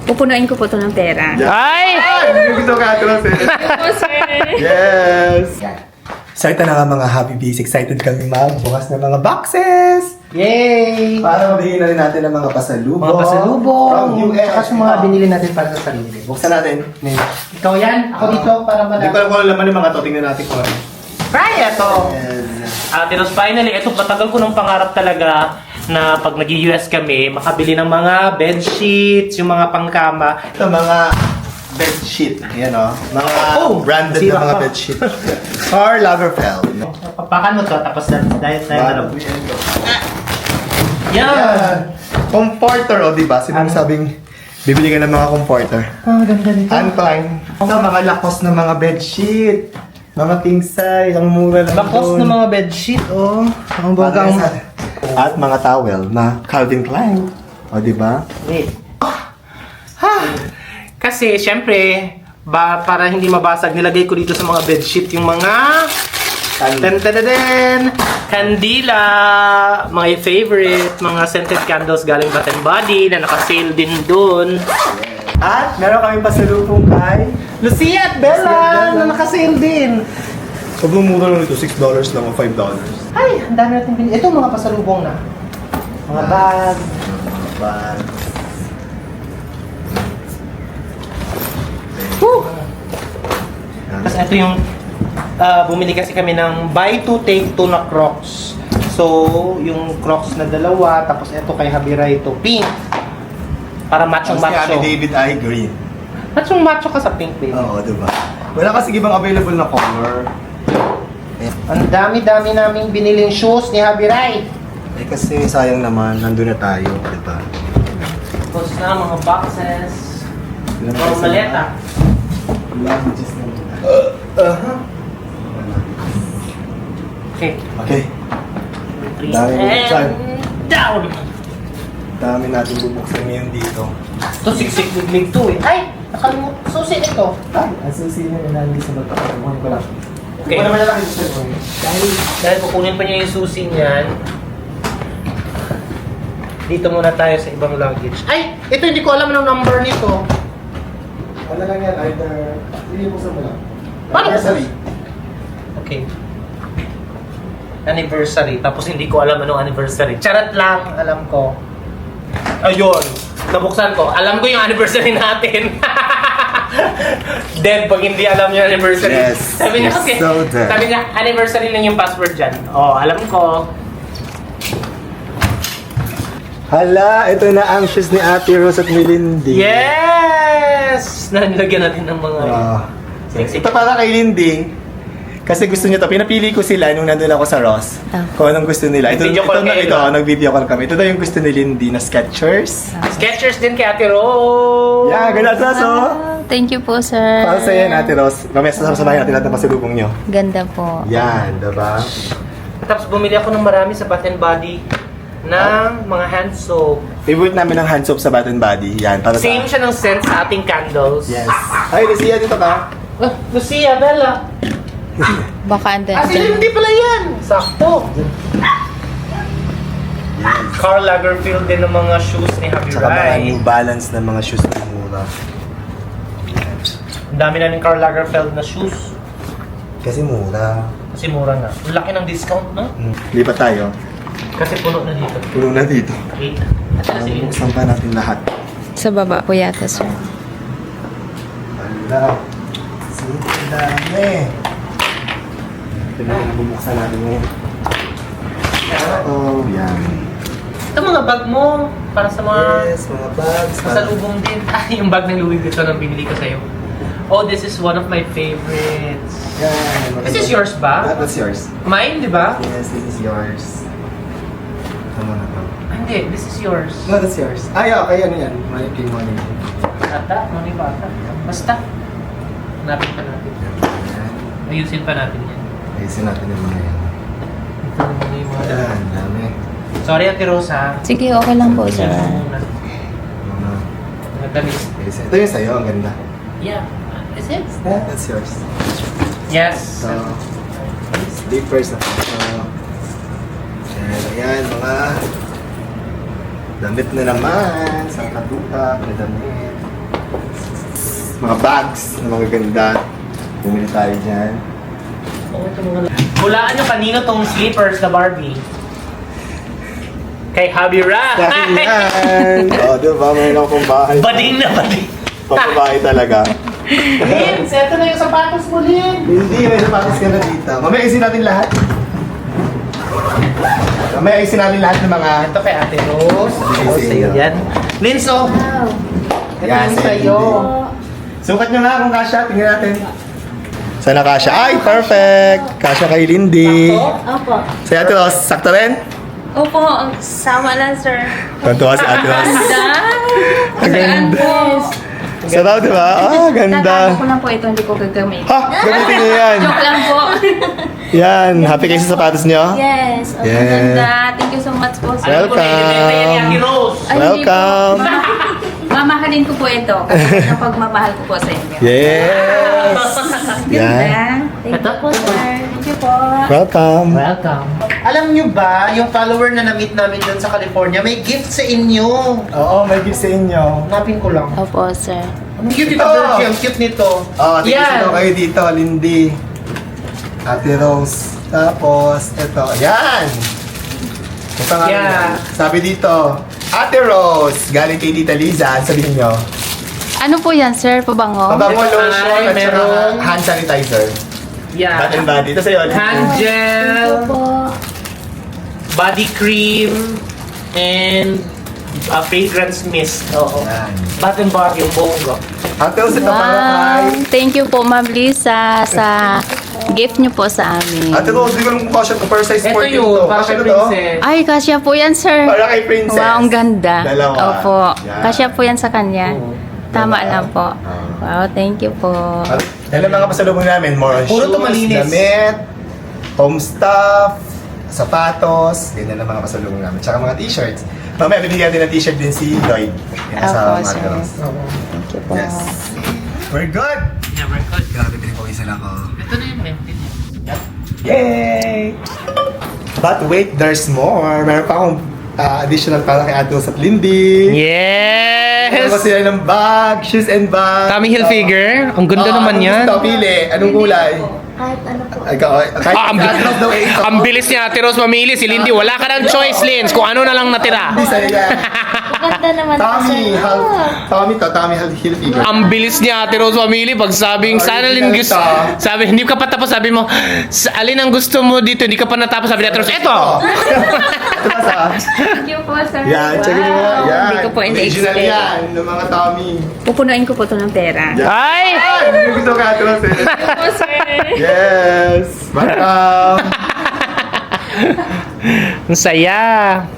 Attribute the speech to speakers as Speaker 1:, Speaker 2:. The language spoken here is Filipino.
Speaker 1: Pupunuin ko po ito ng pera.
Speaker 2: Ay!
Speaker 3: Gusto ka ito lang, Yes! So ito na nga mga Happy Bees. Excited kami magbukas ng mga boxes!
Speaker 2: Yay!
Speaker 3: Para mabigyan na rin natin ng mga pasalubong.
Speaker 2: Mga pasalubong.
Speaker 3: From US.
Speaker 2: Tsaka yung mga binili natin para sa sarili.
Speaker 3: Buksan natin.
Speaker 2: Ikaw yan. Ako dito para
Speaker 3: Hindi ko
Speaker 2: malaki.
Speaker 3: alam kung ano laman yung mga to. Tingnan natin kung ano.
Speaker 2: Try ito!
Speaker 4: Tinos, finally, ito matagal ko ng pangarap talaga na pag nag-US kami, makabili ng mga bed sheets, yung mga pangkama.
Speaker 3: Ito mga bedsheet. Ayan o. Mga branded
Speaker 2: sira
Speaker 3: na mga
Speaker 2: pa.
Speaker 3: bedsheet. Karl Lagerfeld.
Speaker 2: Papakan mo to, tapos dahil tayo na lang.
Speaker 4: Yan!
Speaker 3: Yan. Comforter o diba? Sino sabing bibili ka ng mga comforter?
Speaker 2: Oh, ganda nito.
Speaker 3: Uncline. Ito mga lakos ng mga bedsheet. Mga king size. Ang mura lang
Speaker 2: Bakos
Speaker 3: doon.
Speaker 2: ng mga bedsheet, oh. Ang bagang...
Speaker 3: At mga towel na Calvin Klein. O diba?
Speaker 4: Wait. Kasi, syempre, para hindi mabasag, nilagay ko dito sa mga bedsheet yung mga... Tan-tan-tan! Kandila! Mga favorite, mga scented candles galing Bath & Body na naka-sale din doon.
Speaker 3: At meron kami pasalubong kay
Speaker 2: Lucia at Bella na nakasale din.
Speaker 3: sobrang mura lang ito. $6 lang o $5.
Speaker 2: Ay, ang dami natin binili. Ito mga pasalubong na. Mga bag.
Speaker 3: Bag.
Speaker 2: Woo! Tapos ito yung bumili kasi kami ng buy two take two na Crocs. So, yung Crocs na dalawa, tapos ito kay Habira ito pink. Para
Speaker 3: Tapos ni
Speaker 2: macho-macho.
Speaker 3: David ay green.
Speaker 2: Macho-macho ka sa pink, baby.
Speaker 3: Oo, diba? Wala kasi ibang available na color.
Speaker 2: Ang dami-dami naming biniling shoes ni Habiray.
Speaker 3: Eh kasi sayang naman, nandun na tayo, diba?
Speaker 4: Tapos na mga boxes.
Speaker 3: Ilan
Speaker 4: Mga
Speaker 3: pesos
Speaker 4: maleta.
Speaker 3: na? Languages na muna.
Speaker 4: Okay.
Speaker 3: Okay,
Speaker 4: Three
Speaker 3: Dami bubuksan.
Speaker 4: and down!
Speaker 3: dami natin bubuksan ngayon dito.
Speaker 4: Ito, siksik-liglig to eh.
Speaker 2: Ay, nakalimutan. Susi ito.
Speaker 3: Ay, asusin na nalagay sa bata. Kukunin ko lang.
Speaker 4: Okay.
Speaker 3: Wala naman lang gusto ko.
Speaker 4: Dahil kukunin pa niya yung susi niyan, dito muna tayo sa ibang luggage.
Speaker 2: Ay, ito hindi ko alam ng number nito.
Speaker 3: Ano lang yan, either... Lilipusan mo lang.
Speaker 2: Paano?
Speaker 3: Anniversary.
Speaker 4: Okay. Anniversary. Tapos hindi ko alam anong anniversary.
Speaker 2: Charot lang, alam ko.
Speaker 4: Ayun. Nabuksan ko. Alam ko yung anniversary natin. Dead pag hindi alam yung anniversary.
Speaker 3: Yes.
Speaker 4: Sabi niya,
Speaker 3: You're
Speaker 4: okay.
Speaker 3: so dead.
Speaker 4: Sabi niya, anniversary lang yung password dyan. Oh, alam ko.
Speaker 3: Hala, ito na ang shoes ni Ate Rose at Melindy.
Speaker 4: Yes! Nalagyan natin ng mga... Sexy.
Speaker 3: Ito para kay Lindy. Kasi gusto niya to. Pinapili ko sila nung nandun ako sa Ross. Kung anong gusto nila. Ito,
Speaker 4: Video call kayo, diba?
Speaker 3: nag-video call kami. Ito daw yung gusto ni Lindy na Skechers.
Speaker 4: Skechers din kay Ate Rose.
Speaker 3: Yeah, ganun sa so.
Speaker 1: Thank you po, sir.
Speaker 3: Para sa yan, Ate Rose. Mamaya sasabahin natin lahat ng pasalubong nyo.
Speaker 1: Ganda po.
Speaker 3: Yan, diba?
Speaker 4: Tapos bumili ako ng marami sa Bath & Body ng mga hand soap.
Speaker 3: Favorite namin ng hand soap sa Bath & Body. Yan, para
Speaker 4: Same
Speaker 3: sa...
Speaker 4: siya ng scent sa ating candles.
Speaker 3: Yes. Ay, Lucia, dito ka.
Speaker 4: Lucia, Bella.
Speaker 1: Baka andun
Speaker 4: Ah,
Speaker 1: dyan.
Speaker 4: hindi pala yan. Sakto. Karl Lagerfeld din ng mga shoes ni Happy
Speaker 3: Tsaka mga
Speaker 4: Rai.
Speaker 3: New Balance na mga shoes na mura.
Speaker 4: Ang dami na ng Karl Lagerfeld na shoes.
Speaker 3: Kasi mura.
Speaker 4: Kasi mura nga. Ang laki ng discount, no?
Speaker 3: Lipat tayo.
Speaker 4: Kasi puno na dito.
Speaker 3: Puno na dito.
Speaker 4: 8. Kasi
Speaker 3: Buksan pa natin lahat.
Speaker 1: Sa baba po yata, sir.
Speaker 3: Wala. Ang dami. Ito na yung bubuksan natin ngayon. Oh, yan.
Speaker 4: ito mga bag mo. Para sa mga
Speaker 3: Yes, mga bags.
Speaker 4: pasalubong din. Ah, yung bag ng Louis Vuitton ang binili ko sa'yo. Oh, this is one of my favorites.
Speaker 3: Yan.
Speaker 4: This is yours ba?
Speaker 3: That's yours.
Speaker 4: Mine, di ba?
Speaker 3: Yes, this is yours. Tama na to.
Speaker 4: Ah, hindi, this is yours.
Speaker 3: No, that's yours. Ay, okay, ano yan? Maliping money.
Speaker 4: Ata, money bata. Basta. Hanapin pa natin.
Speaker 3: Yan.
Speaker 4: Ayusin pa natin yan.
Speaker 3: Ayusin natin yung mga yan.
Speaker 4: Ito naman yung mga...
Speaker 3: Yan, dami.
Speaker 4: Sorry, Ate Rosa.
Speaker 1: Sige, okay lang po, sir.
Speaker 3: Mga...
Speaker 4: Mga damit.
Speaker 3: Ayusin. Ito yung sa'yo, ang ganda.
Speaker 4: Yeah. Is it?
Speaker 3: Yeah, that's yours.
Speaker 4: Yes.
Speaker 3: So, slippers na po. Ayan, mga damit na naman. Sa katutak na damit. Mga bags na mga ganda. Bumili tayo dyan.
Speaker 4: Hulaan nyo kanino tong slippers na Barbie. Kay Javi Ra.
Speaker 3: Dahil yan! O, diba? Mayroon akong bahay.
Speaker 4: Bading na bading.
Speaker 3: Papabahay talaga.
Speaker 2: Lin, seto na yung sapatos mo, Lin.
Speaker 3: Hindi, may sapatos ka na dito. Mamaya isin natin lahat. Mamaya isin natin lahat ng mga...
Speaker 2: Ito kay Ate Rose.
Speaker 3: Bigay sa inyo.
Speaker 2: Yan. Lin, so. Ito
Speaker 3: Yan,
Speaker 2: yung
Speaker 3: sa
Speaker 2: sa'yo.
Speaker 3: Sukat nyo nga kung kasha. Tingnan natin. Sana kasha. Ay, perfect! Kasha kay Lindy.
Speaker 5: Opo.
Speaker 3: Sa Ate Ros, sakto rin?
Speaker 5: Opo, sama lang, sir.
Speaker 3: Tantuwa si Ate Ros. Ang ganda.
Speaker 5: Po.
Speaker 3: Sarap, di ba? Ah, ganda.
Speaker 5: Tatago ko lang po ito, hindi ko gagamit.
Speaker 3: Ha! Gamitin nyo yan.
Speaker 5: Joke lang po.
Speaker 3: Yan. Happy kayo sa sapatos nyo?
Speaker 5: Yes. Ang
Speaker 3: Yeah.
Speaker 5: ganda. Thank you so much po, sir.
Speaker 3: Welcome.
Speaker 4: Kaya ni Ate Rose.
Speaker 5: Ay, hindi po.
Speaker 3: Welcome.
Speaker 5: Mamahalin ko po ito. Kasi ang pagmamahal ko po sa inyo.
Speaker 3: Yes!
Speaker 5: Ganda.
Speaker 3: Yan.
Speaker 5: Thank you po, sir. Thank you po.
Speaker 3: Welcome.
Speaker 2: Welcome. Alam nyo ba, yung follower na na-meet namin doon sa California, may gift sa inyo.
Speaker 3: Oo, may gift sa inyo.
Speaker 2: Hanapin ko lang.
Speaker 1: Opo, sir.
Speaker 2: Ang cute ito,
Speaker 3: Oh.
Speaker 2: Virgie. Ang cute nito.
Speaker 3: Oh, tignan
Speaker 2: Yan.
Speaker 3: kayo dito, Lindy. Ate Rose. Tapos, ito. Yan! Ito nga.
Speaker 2: Yeah.
Speaker 3: Sabi dito, Ate Rose, galing kay Tita Liza. Sabihin nyo.
Speaker 1: Ano po yan, sir? Pabango?
Speaker 3: Pabango
Speaker 2: Ito
Speaker 3: lotion
Speaker 2: ay
Speaker 3: at saka
Speaker 2: merong-
Speaker 3: hand sanitizer.
Speaker 2: Yeah.
Speaker 3: Bath and body. Ito sa'yo.
Speaker 2: Hand gel, body cream, and a fragrance mist. Oo.
Speaker 3: Yan.
Speaker 2: Bath and body, yung bongo.
Speaker 3: Ate Rose, ito para kay...
Speaker 1: Wow! Thank you po, Ma'am Lisa, sa gift niyo po sa amin.
Speaker 3: Ate Rose, hindi ko lang kasya ko. Per size
Speaker 2: Ito
Speaker 3: 14
Speaker 2: yun,
Speaker 3: to.
Speaker 2: para
Speaker 3: Kasya
Speaker 2: kay
Speaker 3: na to?
Speaker 2: Princess.
Speaker 1: Ay, kasya po yan, sir.
Speaker 3: Para kay Princess.
Speaker 1: Wow, ang ganda.
Speaker 3: Dalawa.
Speaker 1: Opo.
Speaker 3: Yan.
Speaker 1: Kasya po yan sa kanya. Tama
Speaker 3: Dalawa.
Speaker 1: lang po.
Speaker 3: Ah.
Speaker 1: Wow, thank you po.
Speaker 3: Dahil ang mga pasalubong namin, more on
Speaker 2: Puro to
Speaker 3: shoes,
Speaker 2: malinis.
Speaker 3: damit, home stuff, sapatos, ganyan ang mga pasalubong namin. Tsaka mga t-shirts. Mamaya, binigyan din ng t-shirt din si Lloyd. Yan sa
Speaker 1: Opo,
Speaker 3: mga
Speaker 1: sir.
Speaker 3: girls.
Speaker 1: Thank you po.
Speaker 3: Yes. We're good!
Speaker 4: Yeah, we're good.
Speaker 3: Grabe, pinapawisan ako.
Speaker 4: Ito na yung mente niya.
Speaker 3: Yay! But wait, there's more. Meron pa akong additional para kay Atos at Lindy. Meron pa
Speaker 4: Yes!
Speaker 3: sila ng bag, shoes and bag.
Speaker 4: Tommy Hilfiger. Ang ganda naman yan.
Speaker 3: Gusto, pili. Anong kulay?
Speaker 5: Kahit ano po.
Speaker 3: Ikaw, kahit
Speaker 4: ang,
Speaker 3: Atos daw eh. ito.
Speaker 4: ang bilis niya, Ate Rose, mamili. Si Lindy, wala ka ng choice, Lins. Kung ano na lang natira.
Speaker 3: Bisa nila.
Speaker 5: Ganda naman po,
Speaker 3: Tommy, Tommy Hilfiger.
Speaker 4: Ang bilis niya, Ate Rose, mamili. Pag sabing, sana Lin gusto. Sabi, hindi ka pa tapos. Sabi mo, alin ang gusto mo dito? Hindi ka pa natapos. Sabi ni Ate Rose, eto!
Speaker 3: Ito pa sa...
Speaker 5: Thank you po, sir.
Speaker 3: Yan, check nyo nga. Yan.
Speaker 1: Hindi ko po
Speaker 3: Original
Speaker 1: ina-expect.
Speaker 3: yan, ng mga Tommy.
Speaker 5: Pupunuin ko po ito ng pera.
Speaker 3: Yan.
Speaker 4: Ay!
Speaker 3: Ay, hindi gusto ka, Atos eh.
Speaker 5: Po, sir.
Speaker 3: Yes! Welcome!
Speaker 4: Ang saya.